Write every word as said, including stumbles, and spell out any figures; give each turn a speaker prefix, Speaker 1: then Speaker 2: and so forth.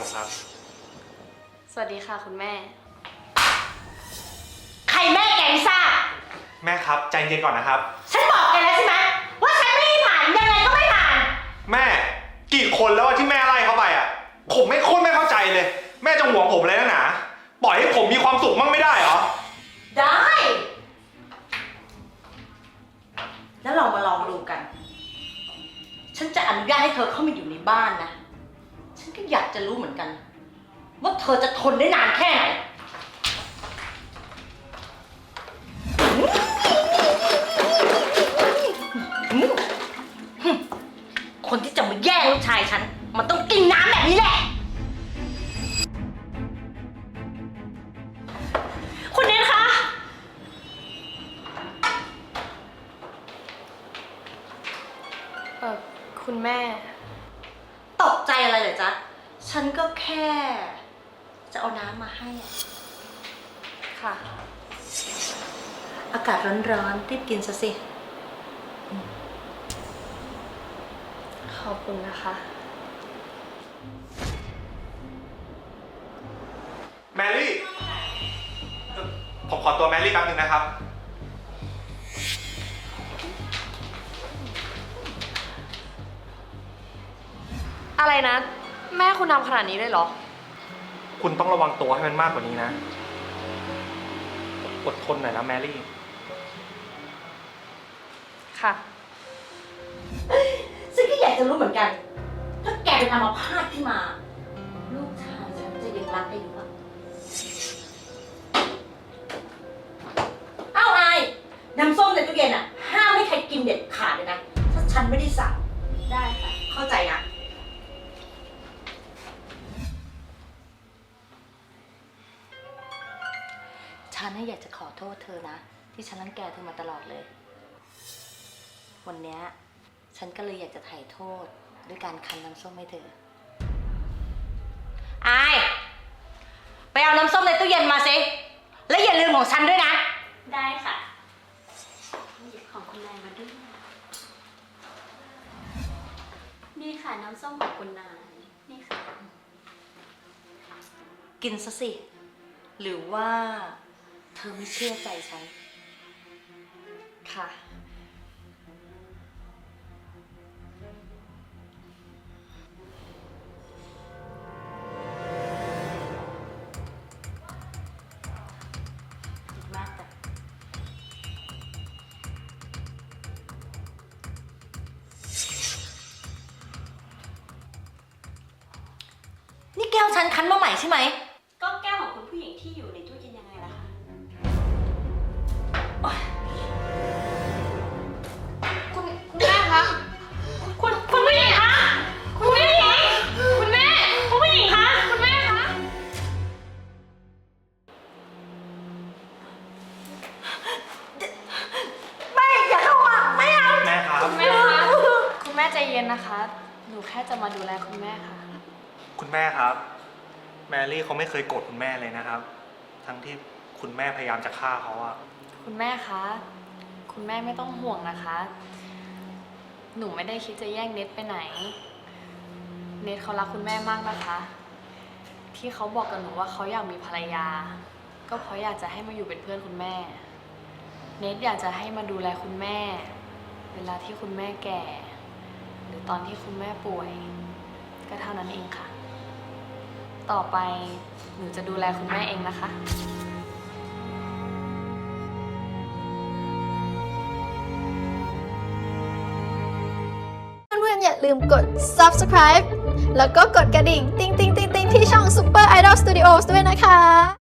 Speaker 1: ครับ
Speaker 2: สวัสดีค่ะคุณแม่
Speaker 3: ใครแม่แกลิซ่า
Speaker 1: แม่ครับใจเย็นก่อนนะครับ
Speaker 3: ฉันบอกแกแล้วใช่ไหมว่าฉันไม่ผ่านยังไงก็ไม่ผ่าน
Speaker 1: แม่กี่คนแล้วที่แม่ไล่เขาไปอ่ะผมไม่โคตรไม่เข้าใจเลยแม่จะห่วงผมเลยนะหนาปล่อยให้ผมมีความสุขมั่งไม่ได้เหรอ
Speaker 3: ได้แล้วเรามาลองดูกันฉันจะอนุญาตให้เธอเข้ามาอยู่ในบ้านนะฉันก็อยากจะรู้เหมือนกันว่าเธอจะทนได้นานแค่ไหนคนที่จะมาแย่งลูกชายฉันมันต้องกินน้ำแบบนี้แหละคุณเนทคะ
Speaker 2: เออคุณแม่
Speaker 3: ตกใจอะไรเหรอจ๊ะฉันก็แค่จะเอาน้ำมาให้อะ
Speaker 2: ค่ะ
Speaker 3: อากาศร้อนๆรีบกินซะสิ
Speaker 2: ขอบคุณนะคะ
Speaker 1: แมรี่ผมขอตัวแมรี่แป๊บนึงนะครับ
Speaker 2: อะไรนะ แม่คุณทำขนาดนี้เลยเหรอ
Speaker 1: คุณต้องระวังตัวให้มันมากกว่านี้นะอดทนหน่อยนะแมรี่
Speaker 2: ค่ะ
Speaker 3: ซึ่งก็อยากจะรู้เหมือนกันถ้าแกเป็นอัมพาตขึ้นมาลูกชายฉันจะยังรักได้อยู่ปะเอ้าไอ้น้ำส้มในตู้เย็นอ่ะห้ามให้ใครกินเด็ดขาดเลยนะถ้าฉันไม่ได้สั่งได้ค่ะเข้าใจนะฉันอยากจะขอโทษเธอนะที่ฉันรังแกเธอมาตลอดเลยวันนี้ฉันก็เลยอยากจะไถ่โทษด้วยการคั้นน้ำส้มให้เธอไอไปเอาน้ำส้มในตู้เย็นมาสิและอย่าลืมของฉันด้วยนะได้ค่ะหยิบของคุณนายมาด้วยนี่ค่ะน้ำส้มของคุณนายนี่ค่ะกินซะสิหรือว่าเธอไม่เชื่อใจฉัน
Speaker 2: ค่ะ
Speaker 3: ดีมากจ้ะนี่แก้วฉันคั้นมาใหม่ใช่ไหมก็แก้วของคุณผู้หญิงที่อยู่ในตู้เย็นยังไงล่ะคะ
Speaker 2: คุณคุณแม่คะคุณคุณผู้หญิงคะคุณผู้หญิงคุณแม่คุณผู้หญิงคะคุณแม่คะ
Speaker 3: ไม่อย่าเข้ามาไม่เอา
Speaker 1: แม่ครับ
Speaker 2: คุณแม่คะคุณแม่ใจเย็นนะคะหนูแค่จะมาดูแลคุณแม่ค่ะ
Speaker 1: คุณแม่ครับแมรี่เขาไม่เคยโกรธคุณแม่เลยนะครับทั้งที่คุณแม่พยายามจะฆ่าเขาอะ
Speaker 2: คุณแม่คะคุณแม่ไม่ต้องห่วงนะคะหนูไม่ได้คิดจะแย่งเน็ตไปไหนเน็ตเขารักคุณแม่มากนะคะที่เขาบอกกับหนูว่าเขาอยากมีภรรยาก็เพราะอยากจะให้มาอยู่เป็นเพื่อนคุณแม่เน็ตอยากจะให้มาดูแลคุณแม่เวลาที่คุณแม่แก่หรือตอนที่คุณแม่ป่วยก็เท่านั้นเองค่ะต่อไปหนูจะดูแลคุณแม่เองนะคะ
Speaker 4: เพื่อนๆอย่าลืมกด ซับสไครบ์ แล้วก็กดกระดิ่ง ติ๊งติ๊งติ๊งติ๊งที่ช่อง Super Idol Studios ด้วยนะคะ